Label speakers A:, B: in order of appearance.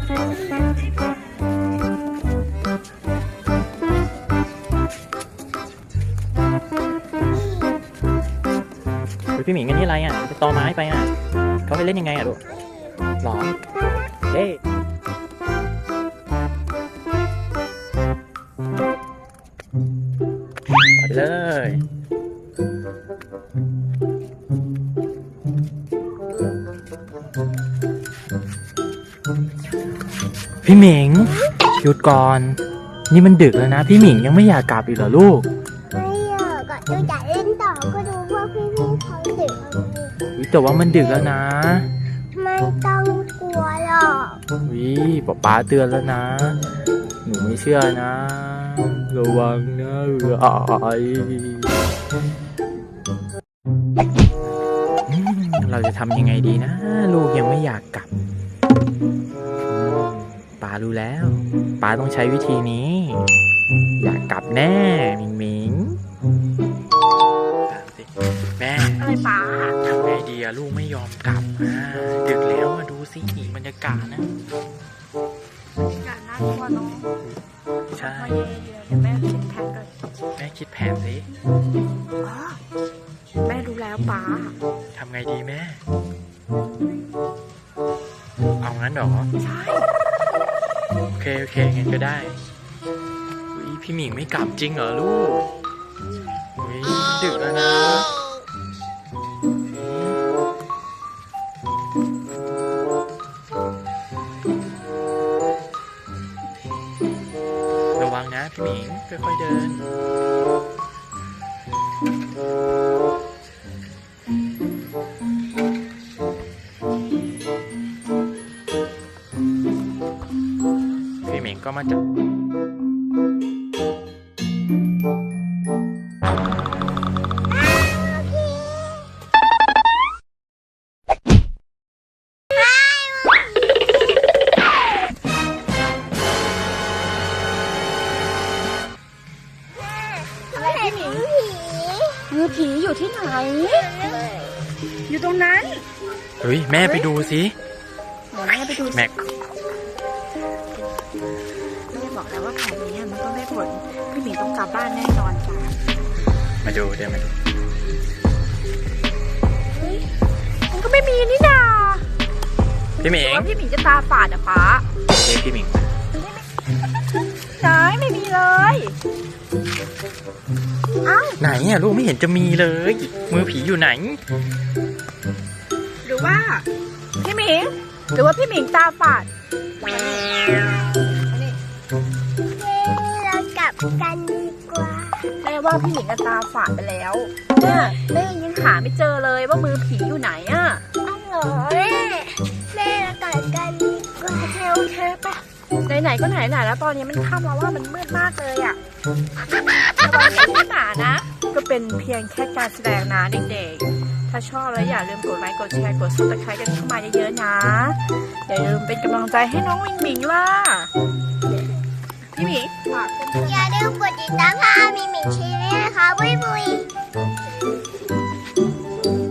A: พี่หมิงอันนี้อะไรอ่ะไปตอไม้ไปอ่ะเขาไปเล่นยังไงอ่ะลูกหรอเฮ้ยไปเลยพี่หมิงหยุดก่อนนี่มันดึกแล้วนะพี่หมิงยังไม่อยากกลับอีกเหรอลูก
B: ไม่อยากก็ดูอยากเล่นต่อก็ดูพวกพี่เขาดึก
A: แต่ว่ามันดึกแล้วนะ
B: ไม่ต้องกลัวหรอก
A: ป๊าเตือนแล้วนะหนูไม่เชื่อนะระวังนะเราจะทำยังไงดีนะลูกยังไม่อยากกลับป๊ารู้แล้วป๊าต้องใช้วิธีนี้อยากกลับแน่หมิงหมิงแม่
B: อะไรป๊า
A: ทำไงดีอะลูกไม่ยอมกลับดึกแล้วมาดูสิบรรยากาศนะ
B: บรรยากาศน่ากลัวเนาะ
A: ใช่
B: เดี๋ยวแม่คิดแผนก่อน
A: แม่คิดแผนสิ
B: แม่รู้แล้วป๊า
A: ทำไงดีแม่เอางั้นเหรอ
B: ใช่
A: โอเคงั้นก็ได้พี่หมิงไม่กลับจริงเหรอลูกดึกแล้วนะระวังนะพี่หมิงค่อยๆเดินพี่หมิงก็มาจับ
B: มือผีอยู่ที่ไหนอยู่ตรงนั้น
A: เฮ้ยแม่ไปดูสิ
B: แม่ไปดู
A: แม็ก
B: แม่บอกแล้วว่าแผนนี้มันต้องได้ผลพี่หมีต้องกลับบ้านแน่นอนจ้ะ
A: มาดูเดี๋ยวมาดู
B: มันก็ไม่มีนี่นา
A: พี่หมิง
B: ว่าพี่หมีจะตาฝาดอะฟ้า
A: เรียกพี่หมิง
B: ไม่มีเลย
A: ไหนอ่ะลูกไม่เห็นจะมีเลยมือผีอยู่ไหน
B: หรือว่าพี่หมิงหรือว่าพี่หมิงตาฝาดเรากลับกันดีกว่าแม่ว่าพี่หมิงตาฝาดไปแล้วแม่ยังหาไม่เจอเลยว่ามือผีอยู่ไหนอ่ะอ้าวเหรอแม่เรากลับกันดีกว่าโอเคปะไหนก็ไหนแล้วตอนนี้มันค่ำแล้วว่ามันมืดมากเลยอ่ะระวังไม่หนานะก็เป็นเพียงแค่การแสดงนะเด็กๆถ้าชอบแล้วอย่าลืมกดไลค์กดแชร์กดซับสไครต์กันเข้ามาเยอะๆนะอย่าลืมเป็นกำลังใจให้น้องวิงบิงล่ะพี่หมิงฝากอย่าลืมกดติดตามพี่หมิงชีวิตนะคะบุย